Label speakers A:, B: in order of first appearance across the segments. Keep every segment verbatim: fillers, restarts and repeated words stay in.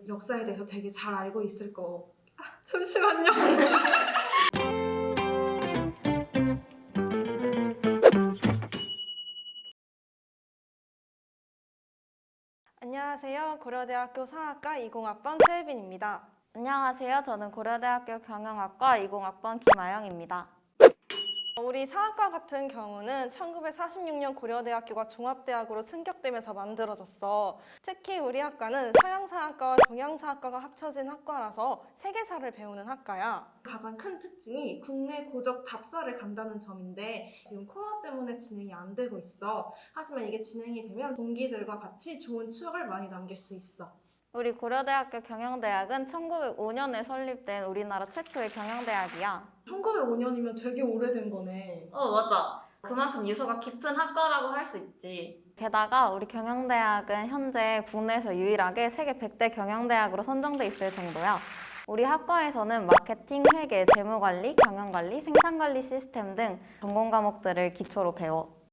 A: 역사에 대해서 되게 잘 알고 있을 거. 아, 잠시만요. 안녕하세요. 고려대학교 사학과 이공학번 최혜빈입니다.
B: 안녕하세요. 저는 고려대학교 경영학과 이공학번 김아영입니다.
A: 우리 사학과 같은 경우는 천구백사십육 년 고려대학교가 종합대학으로 승격되면서 만들어졌어. 특히 우리 학과는 서양사학과와 동양사학과가 합쳐진 학과라서 세계사를 배우는 학과야. 가장 큰 특징이 국내 고적 답사를 간다는 점인데 지금 코로나 때문에 진행이 안 되고 있어. 하지만 이게 진행이 되면 동기들과 같이 좋은 추억을 많이 남길 수 있어.
B: 우리 고려대학교 경영대학은 천구백오 년에 설립된 우리나라 최초의 경영대학이야.
A: 천구백오 년이면 되게 오래된 거네.
C: 어, 맞아. 그만큼 유서가 깊은 학과라고 할 수 있지.
B: 게다가 우리 경영대학은 현재 국내에서 유일하게 세계 백 대 경영대학으로 선정돼 있을 정도야. 우리 학과에서는 마케팅, 회계, 재무관리, 경영관리, 생산관리 시스템 등 전공 과목들을 기초로 배워.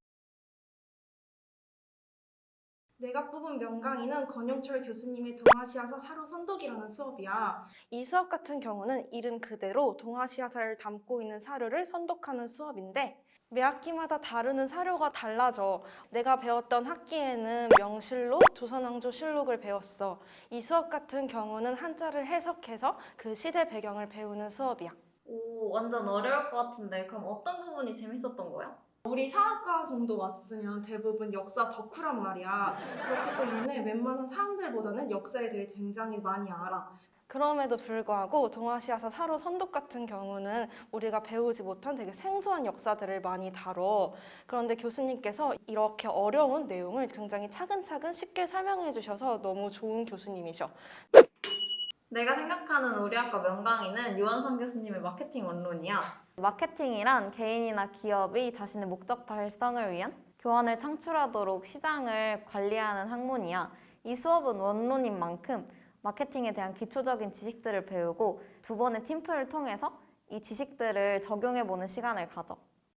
A: 내가 뽑은 명강의는 권영철 교수님의 동아시아사 사료 선독이라는 수업이야. 이 수업 같은 경우는 이름 그대로 동아시아사를 담고 있는 사료를 선독하는 수업인데 매 학기마다 다루는 사료가 달라져. 내가 배웠던 학기에는 명실록, 조선왕조실록을 배웠어. 이 수업 같은 경우는 한자를 해석해서 그 시대 배경을 배우는 수업이야.
C: 오, 완전 어려울 것 같은데 그럼 어떤 부분이 재밌었던 거야?
A: 우리 사학과 정도 왔으면 대부분 역사 덕후란 말이야. 그렇기 때문에 웬만한 사람들보다는 역사에 대해 굉장히 많이 알아. 그럼에도 불구하고 동아시아사 사료 선독 같은 경우는 우리가 배우지 못한 되게 생소한 역사들을 많이 다뤄. 그런데 교수님께서 이렇게 어려운 내용을 굉장히 차근차근 쉽게 설명해 주셔서 너무 좋은 교수님이셔.
C: 내가 생각하는 우리 학과 명강의는 유한선 교수님의 마케팅 원론이야.
B: 마케팅이란 개인이나 기업이 자신의 목적 달성을 위한 교환을 창출하도록 시장을 관리하는 학문이야. 이 수업은 원론인 만큼 마케팅에 대한 기초적인 지식들을 배우고 두 번의 팀플을 통해서 이 지식들을 적용해보는 시간을 가져.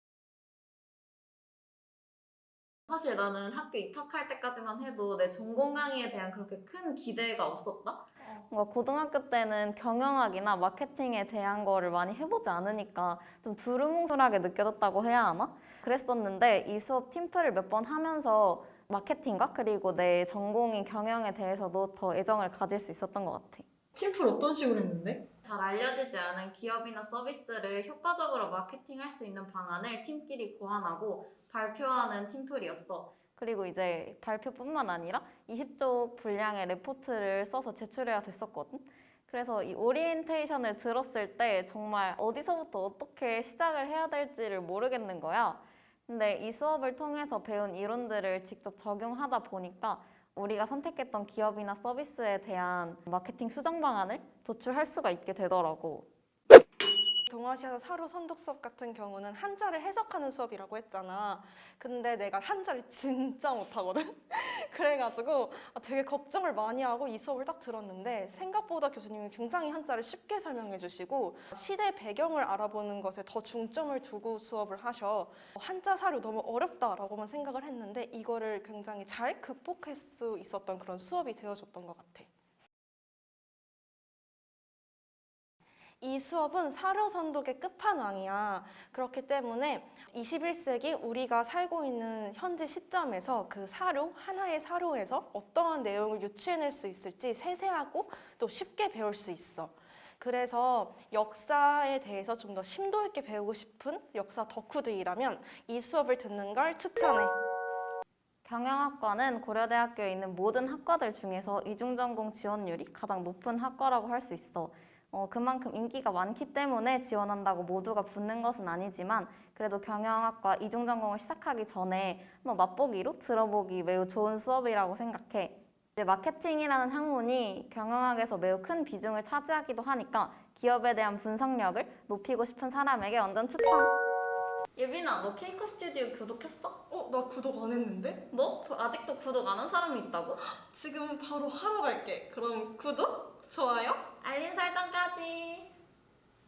C: 사실 나는 학교 입학할 때까지만 해도 내 전공 강의에 대한 그렇게 큰 기대가 없었다?
B: 뭔가 고등학교 때는 경영학이나 마케팅에 대한 거를 많이 해보지 않으니까 좀 두루뭉술하게 느껴졌다고 해야 하나? 그랬었는데 이 수업 팀플을 몇 번 하면서 마케팅과 그리고 내 전공인 경영에 대해서도 더 애정을 가질 수 있었던 것 같아.
A: 팀플 어떤 식으로 했는데?
C: 잘 알려지지 않은 기업이나 서비스를 효과적으로 마케팅할 수 있는 방안을 팀끼리 고안하고 발표하는 팀플이었어.
B: 그리고 이제 발표뿐만 아니라 이십 쪽 분량의 레포트를 써서 제출해야 됐었거든. 그래서 이 오리엔테이션을 들었을 때 정말 어디서부터 어떻게 시작을 해야 될지를 모르겠는 거야. 근데 이 수업을 통해서 배운 이론들을 직접 적용하다 보니까 우리가 선택했던 기업이나 서비스에 대한 마케팅 수정 방안을 도출할 수가 있게 되더라고.
A: 동아시아사 사료 선독 수업 같은 경우는 한자를 해석하는 수업이라고 했잖아. 근데 내가 한자를 진짜 못하거든? 그래가지고 되게 걱정을 많이 하고 이 수업을 딱 들었는데 생각보다 교수님이 굉장히 한자를 쉽게 설명해 주시고 시대 배경을 알아보는 것에 더 중점을 두고 수업을 하셔. 한자 사료 너무 어렵다라고만 생각을 했는데 이거를 굉장히 잘 극복할 수 있었던 그런 수업이 되어줬던 것 같아. 이 수업은 사료 선독의 끝판왕이야. 그렇기 때문에 이십일 세기 우리가 살고 있는 현재 시점에서 그 사료, 하나의 사료에서 어떠한 내용을 유추해낼 수 있을지 세세하고 또 쉽게 배울 수 있어. 그래서 역사에 대해서 좀 더 심도 있게 배우고 싶은 역사 덕후들이라면 이 수업을 듣는 걸 추천해.
B: 경영학과는 고려대학교에 있는 모든 학과들 중에서 이중전공 지원율이 가장 높은 학과라고 할 수 있어. 어, 그만큼 인기가 많기 때문에 지원한다고 모두가 붙는 것은 아니지만 그래도 경영학과 이중전공을 시작하기 전에 한번 맛보기로 들어보기 매우 좋은 수업이라고 생각해. 이제 마케팅이라는 학문이 경영학에서 매우 큰 비중을 차지하기도 하니까 기업에 대한 분석력을 높이고 싶은 사람에게 완전 추천!
C: 예빈아, 너 케이코 스튜디오 구독했어?
A: 어, 나 구독 안 했는데?
C: 뭐? 아직도 구독 안 한 사람이 있다고?
A: 지금 바로 하러 갈게. 그럼 구독, 좋아요,
C: 알림 설정까지!